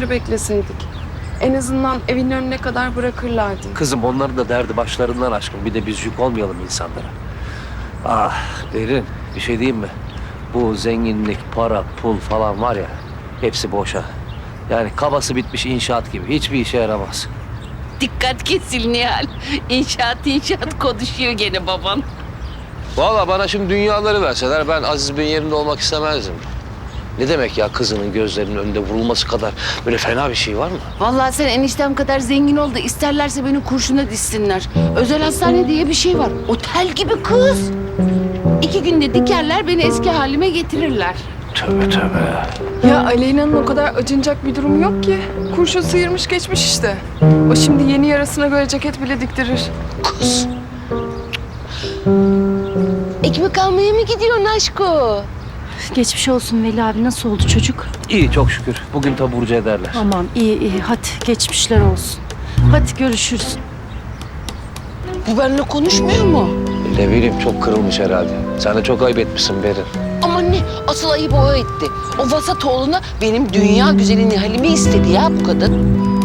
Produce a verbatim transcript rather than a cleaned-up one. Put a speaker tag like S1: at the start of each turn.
S1: günleri bekleseydik. En azından evin önüne kadar bırakırlardı.
S2: Kızım onların da derdi başlarından aşkın. Bir de biz yük olmayalım insanlara. Ah Derin, bir şey diyeyim mi? Bu zenginlik, para, pul falan var ya, hepsi boşa. Yani kabası bitmiş inşaat gibi. Hiçbir işe yaramaz.
S3: Dikkat kesil Nihal. İnşaat inşaat konuşuyor gene baban.
S2: Vallahi bana şimdi dünyaları verseler ben Aziz Bey'in yerinde olmak istemezdim. Ne demek ya kızının gözlerinin önünde vurulması kadar böyle fena bir şey var mı?
S3: Vallahi sen eniştem kadar zengin ol da isterlerse beni kurşuna dizsinler. Özel hastane diye bir şey var. Otel gibi kız. İki günde dikerler beni eski halime getirirler.
S2: Tövbe tövbe.
S1: Ya Aleyna'nın o kadar acınacak bir durumu yok ki. Kurşun sıyırmış geçmiş işte. O şimdi yeni yarasına göre ceket bile diktirir.
S3: Kız. Ekmek almaya mı gidiyorsun aşko?
S4: Geçmiş olsun Veli abi. Nasıl oldu çocuk?
S2: İyi çok şükür. Bugün taburcu ederler.
S4: Tamam iyi iyi. Hadi geçmişler olsun. Hadi görüşürüz.
S3: Bu benimle konuşmuyor mu?
S2: Ne bileyim çok kırılmış herhalde. Sen de çok ayıp etmişsin Berin.
S3: Ama ne? Asıl ayıp o etti. O vasat oğluna benim dünya güzeli Nihal'imi istedi ya bu kadın.